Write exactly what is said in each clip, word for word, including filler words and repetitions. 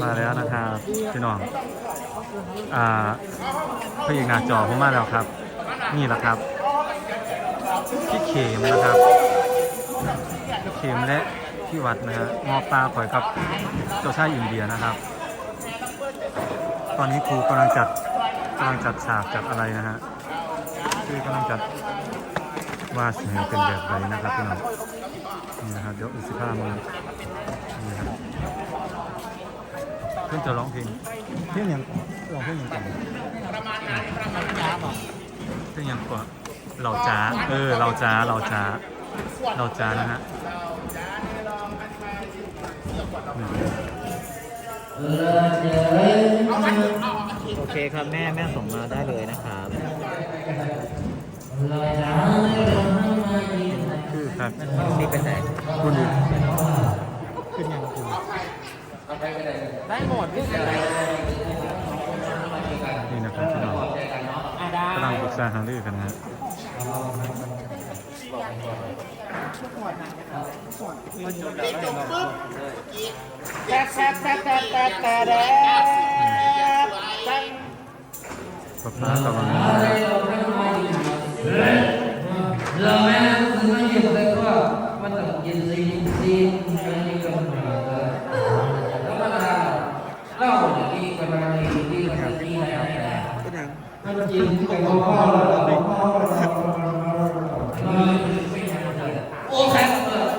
มาแล้วนะครับพี่น้องอ่าพระเอกหน้าจอผมมาแล้วครับนี่แหละครับพี่เขมนะครับพี่เขมและพี่วัดนะฮะงอปลาข่อยครับเจ้าชายอินเดียนะครับตอนนี้ครูกำลังจัดกำลังจัดฉากจัดอะไรนะฮะคือกำลังจัดว่าเสียงเป็นแบบไรนะครับพี่น้องนี่นะครับเดี๋ยวอีกสิบห้ามือนี่ครับเพื่อนจะร้องเพลงเพลงยังร้องเพลงยังก่อนเพลงยังก่อนเราจ้าเออเราจ้าเราจ้าเราจ้านะฮะโอเคครับแม่แม่ส่งมาได้เลยนะครับคือครับนี่เป็นไหนคุณดูขึ้นยังคุณได้หมดพี่เลยนี่นะครับพี่น้องกำลังปรึกษาหารือกันนะฮะแซ่บแซ่บแซ่บแซ่บแซ่บแซ่บแซ่บป๊าป๊ากำลังเราแม่ซื้อมาอยู่แต่ก็มันต้องกินซีซีอะไรนี่ก็มันแล้วมันเล่าดีกว่านี้ดีกว่านี้นะมันกินกับพ่อพ่อเราพ่อเราโอ้แซ่บ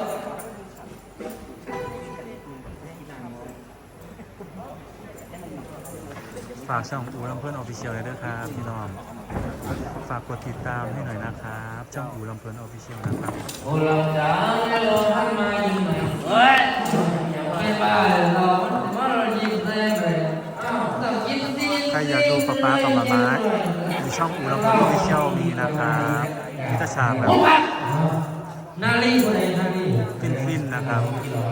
ฝากช่องอูลำเพื่อนออฟฟิเชียลเลยด้วยครับพี่น้องฝากกดติดตามให้หน่อยนะครับช่องอูลำเพื่อนออฟฟิเชียลนะครับโอ้เราจ้าเราทำมายิงไหมเฮ้ยไม่บ้าเราว่าเรายิงได้ไหมต้องกินซีใครอยากดูป๊าป๊ากับมาม้าในช่องอูลำเพื่อนออฟฟิเชียลมีนะครับพิจฉากแบบนาลีคนไหนนาลีฟินๆนะครับ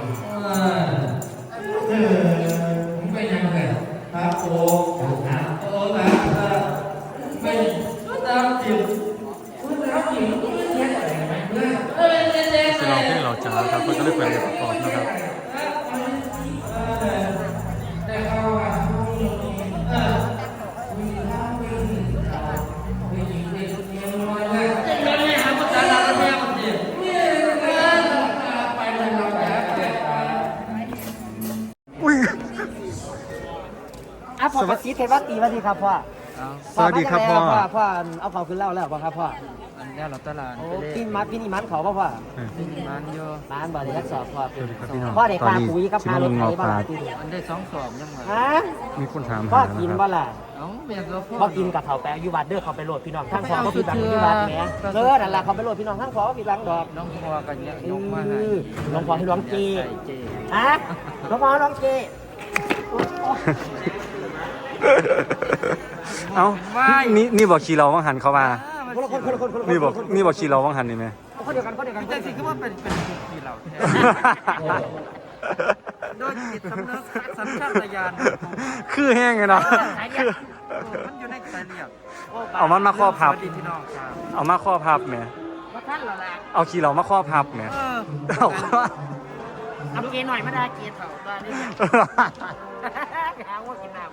ไม่ยังไงครับโอ้โอ้แบบไม่ตามจิตตามจิตเทียนอะไรไหมเพื่อนเออเจ๊เจ๊จะลองเพลงเราจ้าครับก็จะได้เป็นประกอบนะครับอ่ะพอกระซิบเทว่าตีว่าดีครับพ่อสวัสดีครับพ่อพ่อเอาเขาขึ้นเล่าแล้วพ่อครับพ่ออันนี้เราตลาดโอ้กินมัดกินนี่มัดเขาป่ะพ่อที่นี่มันเยอะร้านบ่ได้ทักสอบพ่อสวัสดีครับพี่น้องพ่อได้ค่าปุ๋ยกับชิค่ารมถงไถอบ้าปลางอันได้สองสอบยังไงฮะมีคนถามพ่อหากินนะคบ่รับล่ะเอ้าเมียก็พ่อพ่อกินกับเขาแปะอยู่วัดเด้อเขาไปโหลดพี่น้องทั้งพ่อก็พี่บังที่วัดแหมเออนั่นแหละเขาไปโหลดพี่น้องทั้งพ่อก็พี่บังดอกน้องพ่อกันเนี่ยยกมาเอให้อหลวงพ่อให้หลวงจีเจฮะหลวงพ่อหลวงจีเอ้านี่นี่บอกขี่เราว่างหันเขามาคนละคนคนละคนคนละคนนี่บอกนี่บอกขี่เราว่างหันนี่ไหมคนเดียวกันคนเดียวกันแต่สิคือว่าเป็นเป็นที่เราโดยจิตสำนึกสัญชาตญาณคือแห้งไงเนาะคือมันอยู่ในสายเลือดเอามันมาครอบพับสวัสดีพี่น้องครับเอามาข้อพับไหมว่าท่านเหรอล่ะเอาขี่เรามาข้อพับไหมเออเอาว่าเอาเกย์หน่อยมาได้เกย์เถ่าได้เนี่ยหาว่ากินน้ำ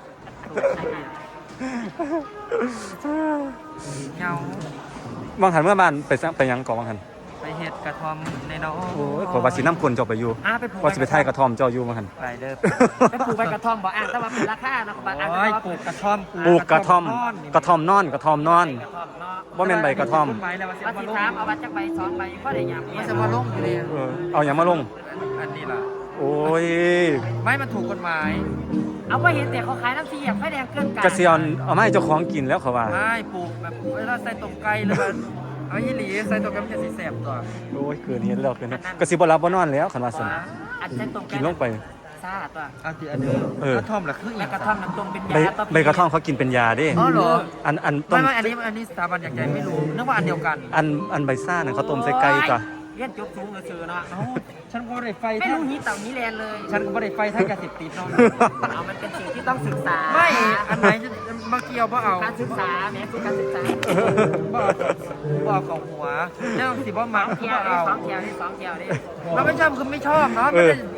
เงาบางหันเมื่อบ้านไปไปยังก่อนบางหันไปเห็ดกระทอมในน้องโอ้ยขอว่าสิน้ำคนเจ้าไปอยู่อ่าไปปลูกว่าสิไปไทยกระท่อมเจ้าอยู่บางหันไปเด้อไปปลูกใบกระท่อมบอกอ่านแต่ว่าเป็นราคาเนาะบางอ่านโอ้ยปลูกกระท่อมปลูกกระท่อมกระท่อมนอนกระท่อมนอนกระท่อมเนาะว่าแม่นใบกระท่อมไปแล้วว่าว่าสิสิมาลถามงเอาวัดจักใบสองใบก็ได้ยามว่าจะมาลงอยู่เลยเออเอาอย่างมาลงอันนี้ล่ะโอ้ยไม่มันถูกกฎหมายเอาไว้เห็นแต่เขาขายน้ำเสียบไฟแดงเกินกันกระเซียนเอามาให้เจ้าของกินแล้วเขาว่าไม่ปลูกแบบเวลาใส่ต้มไก่หรือว่าเอายี่หลีใส่ต้มไก่มันจะสีแสบตัวโอ้ยเกินเห็นแล้วเกินแล้วกระสิบรับบ่นอนแล้วขันว่าสนอันเส้นตรงกินลงไปซาตัวเอาทีอันนี้เออกระท่อมล่ะคือแล้อีวกกระท่อมน้ำตรงเป็นใบยาใบกระท่อมเขากินเป็นยาเด้อ๋อเหรออันอันต้ไม่มไม่อันนี้อันนี้สถาบันอย่างใจไม่รู้นึกว่าอันเดียวกันอันอันใบซ่าเนี่ยเขาต้มใส่ไก่จ้ะเลี้ยนจบสูงเสือเนาะเอ้าฉันก็ได้ไฟไม่ทั้งรู้นี้เต่านี้แลนเลยฉันก็ได้ไฟทั้งยาเสพติดเนาะเอามันเป็นสิ่งที่ต้องศึกษาไม่อันไหนจะมาเกี่ยวบ่เอาการศึกษาแม้คือการศึกษาบ่เอาบ่เอาของหัวแล้วสิบ่มักสองคือเที่ยวบ่นี่เอาสองเที่ยวนี่สองเที่ยวนี่เราไม่ชอบคือไม่ชอบเนาะเอไม่อได้เ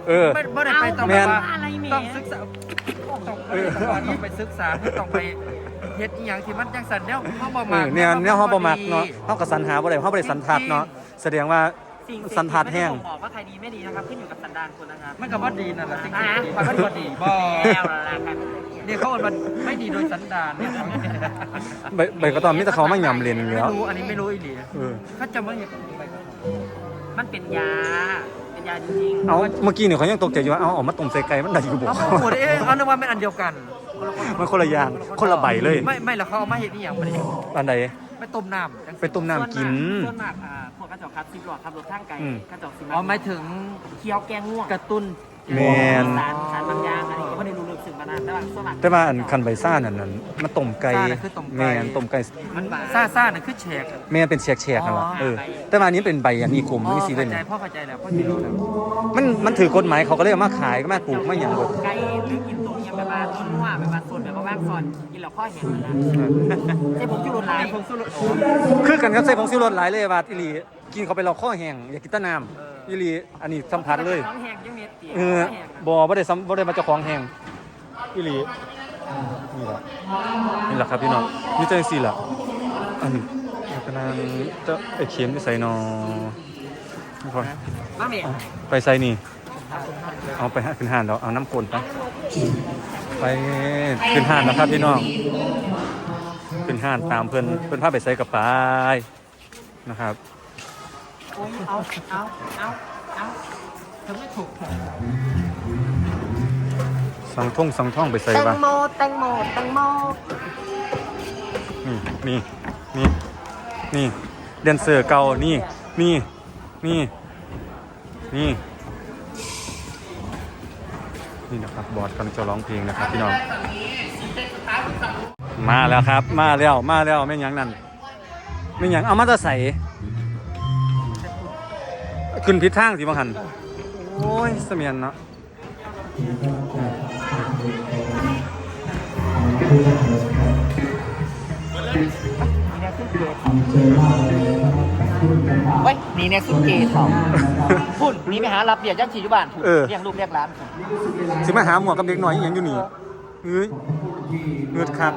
เออไม่ไม่ได้ไปต้องแม่นว่าต้องศึกษาต้องไปต้องไปศึกษาต้องไปเฮ็ดอีหยังที่มันจังสันแนวเฮาบ่เอมัอก เนี่ยเนี่ยเฮาบ่มักเนาะเฮาก็สรรหาบ่ได้เฮาบ่ได้สันทัดเนาะแสดงว่าสิ่งสันทัดแห้งไม่ได้บ่งบอกว่าใครดีไม่ดีนะครับขึ้นอยู่กับสันดานคนนะครับมันก็บ่ดีนั่นแหละสิ่งที่อ่ะดีมันก็บ่ดีบ่แล้วล่ะครับนี่เขาบอกมันไม่ดีโดยสันดานเนี่ยใบใบกระตอมมีแต่เขามาหย่ำเลนอยู่ไม่แล้วรู้อันนี้ไม่รู้อีหลีเออเขาจะมาเห็นไปมันเป็นยา เป็นยาจริงๆเอาเมื่อกี้เนี่ยเขายังตกใจอยู่ว่าเอาออกมาต้มใส่ไก่มันได้อยู่บ่เขาบอกหมดเองเขานึกว่าเป็นอันเดียวกันมันคนละอย่างคนละใบเลยไม่ไม่แล้วเขาเอามาเห็นนี่อย่างไปอันใดไปต้มน้ำจังไปต้มน้ำกินส่วนมากอ่าพวกกระจกครับซิบหลอดครับรถทางไกลอืมกระจกซิอ๋อหมายถึงเคี้ยวแกงง่วงกระตุ้นแม่นสารสารบางอย่างอันนี้ก็ไม่ได้รู้ลึกซึ้งมานานแต่ว่าส่วนมากแต่ว่าอันคันใบซ่านั่นนั่นมันต้มไก่ซ่าน่ะคือต้มไก่แม่นต้มไก่มันบางซ่าซ่าเนี่ยคือแฉกแม่นเป็นแฉกๆนั่นล่ะอ๋อเออแต่ว่าอันนี้เป็นใบอันนี้กลมอ๋อนี่สีเลเข้าย ใจพ่อเข้าใจแล้วพ่อจะรู้แล้วมันมันถือกฎหมายเขาก็เลยเอามาขายก็มาปลูกมาหยังเบิดไก่หรือกินตัวเนี้ยแบบว่าต้นนัวแบบว่าส่วนแบบว่าว่างก่อนกินแล้วข้อเห็นมันนะใช่ผมจุดรถไลน์ผมสู้รถคือกันกับใส่ผงชูรสหลายเลยว่าอีหลีกินเข้าไปเราข้อแห้งอยากกินแตะน้ำอีหลีอันนี้สัมผัสเลยท้องแห้งยังเม็ดเตี๋ยเออบ่บ่ได้ซ้ำบ่ได้มาเจ้าของแห้งอีหลีนี่ล่ะนี่ล่ะครับพี่น้องนี่จังซี่ล่ะอันนี้กำลังจะไอ้เข็มที่ใส่นอนี่พอมาเมียไปใส่นี่เอาไปหาขึ้นห้านแล้วเอาน้ำกลนไปไปขึ้นห้านแล้วครับพี่น้องขึ้นห้านตามเพิ่นเพิ่นพาไปใส่กับปายนะครับเอาเอาเอาเอาทำไม่ถูกสังท่งสังท่องไปใส่แตงบ้างโมแตงโมแตงโมนี่นี่นี่นี่แดนเซอร์เก่านี่นี่นี่นี่นี่นะครับบอสกำลังจะร้องเพลงนะครับพี่น้องมาแล้วครับมาแล้วมาแล้วไม่นหยังนั่นไม่นหยังเอามาตะใส่ขึ้นพิษทางสิบังหันโอ้ยเสมียนเนาะเฮ้ยนี่เนี่ยสุดเกย์ทองพุ่นนี่ไปหารับเบียร์ย่างชีจุบานพุ่นเลี้ยงลูกเลี้ยงร้านสิมาหาหมวกกับเด็กหน่อยอหย่างอยู่นี่เอ้ยเงือดครับ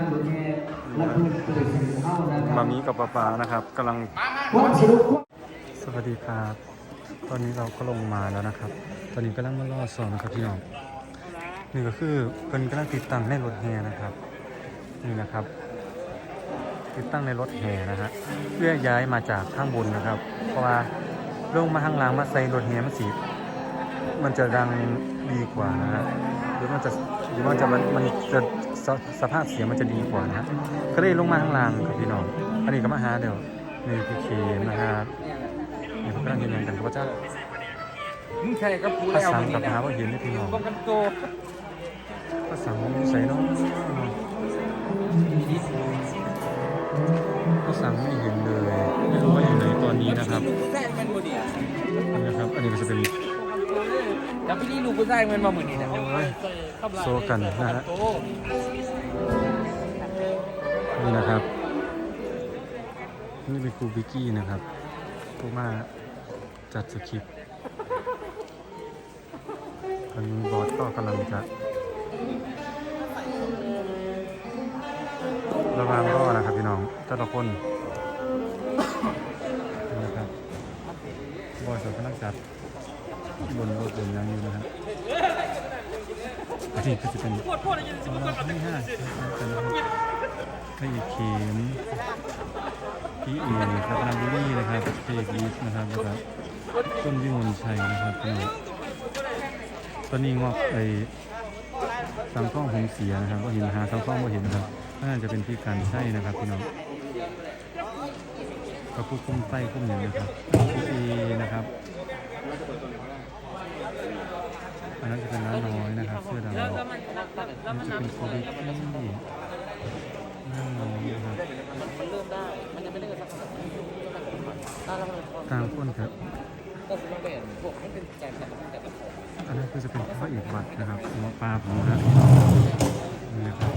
มามีกับป้าปานะครับกำลังสวัสดีครับ ตอนนี้เราก็ลงมาแล้วนะครับ ตอนนี้กำลังมารอสอนนะครับพี่น้องนี่ก็คือเป็นกำลังติดตั้งในรถแห่นะครับนี่นะครับ ติดตั้งในรถแห่นะฮะเพื่อย้ายมาจากข้างบนนะครับ เพราะว่าลงมาข้างล่างมาใส่รถแห่มันสีมันจะดังดีกว่านะฮะหรือมันจะหรือมันจะมันมันจะสสภาพเสียงมันจะดีกว่านะฮะก็เลยลงมาข้างล่างครับพี่น้องอันนี้ก็มาหาเดี๋ยวนี่พี่เคนะครับนี่เขากำลังยืนยันกันว่าจะมึงใช่กับกูภาแล้วษามึงกับนี่หานะว่าเห็นนี่พี่น้องป้องกันโตภาษาใส่เนาะภาษาไม่เห็นเลยไม่รู้ว่าอยู่ไหนตอนนี้นะครับแท้มันบ่ดีนี่นะครับ อันนี้ก็จะเป็นแล้วพี่นี่ลูกผู้ชายมันมาเหมือนนี่นะโซกันนะฮะนี่นะครับนี่เป็นครูบิกกี้นะครับผู้มาจัดสคริปต์ตอนนี้บอสก็กำลังจะระวังก็นะครับพี่น้องแต่ละคนนี่นะครับบอสกำลังจัดบนรถบนยังอยู่นะครับอันนี้ก็จะเป็นสำหรับที่ห้าให้อีกเข็มพี่เอครับนาบุรีนะครับเทกีสนะครับนะครับต้นวิมลชัยนะครับพี่น้องตอนนี้งอกไอ้สังข้องหงเสียนะครับก็เห็นหาสังข้องก็เห็นนะครับน่าจะเป็นพี่การใช่นะครับพี่น้องก็ผู้คุ้มไส้คุ้มอย่างนะครับพี่เอนะครับอันนั้นจะเป็นน้าน้อยนะครับเสื้อดำอันนี้จะเป็นโควิดที่น้าน้อยนะครับมันเริ่มได้ มันยังไม่ได้สักตาเราเลยตามคนครับก็คือต้องเป็นพวกให้เป็นแจกแต่ละแต่ละคนอันนั้นคือจะเป็นพระเอกวัดนะครับหมอปลาผมนะนี่นะครับ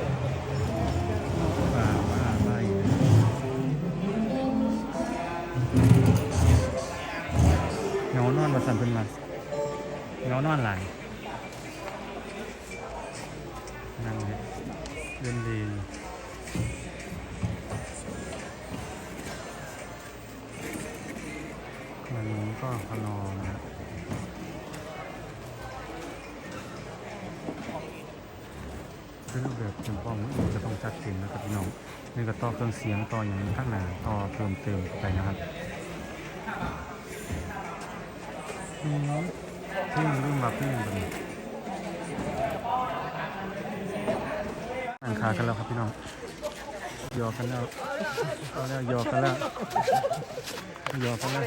ปลาว่าไล่เงานอนมาสั่นเป็นมาเงงานอนหลายนั่งเล่นดีวันนี้ก็พนอนะเป็นรูปแบบจำพองจะต้องจัดเต็มนะครับพี่น้องนี่ก็ต่อเครื่องเสียงต่ออย่างข้างหน้าต่อเพิ่มเติมเข้าไปนะครับอืมที่รุ่นแบบนี้แบบนี้อ่านขากันแล้วครับพี่น้องยอกันแล้วเอาแล้วยอกันแล้วยอกันแล้ว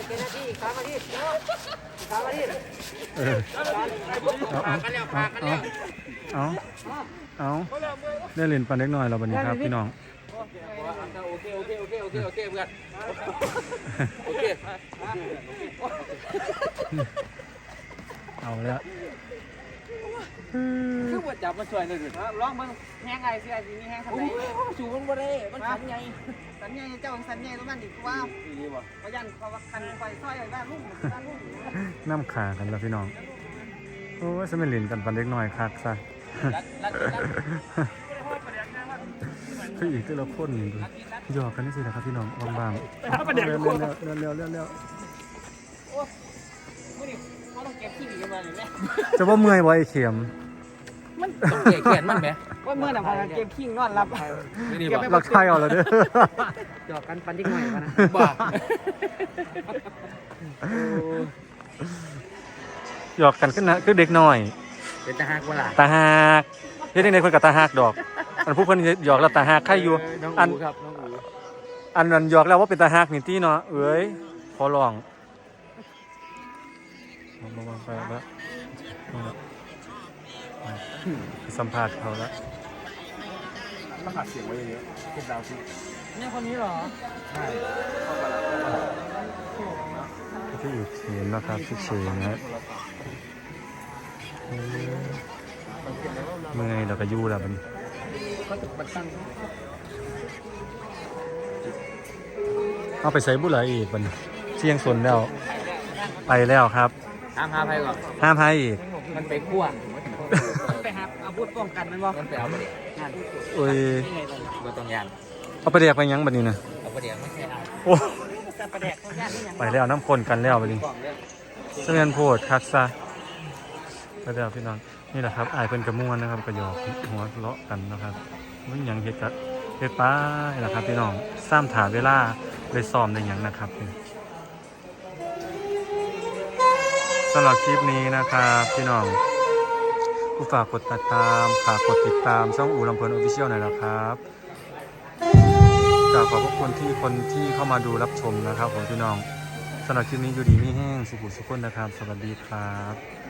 เออเอาเอาเอาเอาเอาได้เล่นปันเล็กน้อยเราบันนี้ครับพี่น้องโอเคโอเคโอเคโอเคโอเคเพื่อนโอเคเอาแล้วคือว่าจับมาช่วยหน่อยดิร้องมึงแห้งไงสิไอ้สิมีแห้งทำไมชูมันบ่ได้มันขันไงสัญญาเจ้าสัญญาตัวมันดิว่านี่บ่เขายันเขาว่าคันไฟซอยไอ้บ้านลุงบ้านลุงน้ำขากันแล้วพี่น้องโอ้ยสมัยเล่นกันปันเล็กน้อยคักซะคืออีกแต่ละคนนี่ดูหยอกกันนี่สินะครับพี่น้องบางๆเร็วเร็วเร็วเร็วเร็วเร็วไม่ดิเขาต้องเก็บขี้หนีกันมาเลยแม่จะว่าเมื่อยบ่ไอ้เข็มต้องแก่แขนมันไหมว่าเมื่อน่ะพากันเก็บขี้นอนรับไม่ดีบ่เราใช่เอาแล้วเด้อหยอกกันปันที่หน่อยมานะบ่หยอกกันขึ้นนะคือเด็กน้อยเป็นตาหักว่าล่ะตาหักเฮ็ดจังได๋เพิ่นก็ตาหักดอกอันผู้เพิ่นหยอกแล้วตาหักใครอยู่น้องอันอูครับน้องอูอันนั้นหยอกแล้วว่าเป็นตาหักนี่ติเนาะเอ้ยขอร้องมาๆไปแล้วสัมภาษณ์เขาแล้วต้องหัดเสียงไว้เยอะๆเก็บดาวซิเนี่ยคนนี้เหรอที่อยู่เขียนนะครับที่เขียนนะเมื่อยเราก็ยู่แล้วมันก็ตึกบัดตั้งเอาไปใส่บุหรี่อีกมันเชียงสนแล้วไปแล้วครับตามหาไผก่อนห้ามให้อีกมันไปคั่วไปหาอาวุธป้องกันมันบ่มันไปเอาบ่ได้โอ้ยบ่ต้องยานเอาไปเรียกไปยังบัดนี้นะเอาบ่ได้ไม่ใช่เอาโอ้แต่ประแดกเขาญาตินี่ยังไปแล้วน้ำคนกันแล้วบัดนี้กล่องเด้อเสมียนโพดคักซะไปแล้วพี่น้องนี่แหละครับอายเป็นกระมวลนะครับกระยอกหัวเลาะกันนะครับมันหยังเฮ็ดกัดเฮ็ดป้ายแหละครับพี่น้องซ้ำถาเวลาเลยซ้อมในหยังนะครับสำหรับคลิปนี้นะครับพี่น้องผู้ฝากกดติดตามฝากกดติดตามช่องอูลำเพลินออฟฟิเชียลหน่อยนะครับกราบขอบพระคุณที่คนที่เข้ามาดูรับชมนะครับผมพี่น้องสำหรับคลิปนี้อยู่ดีไม่แห้งสุขุสุขคนนะครับสวัสดีครับ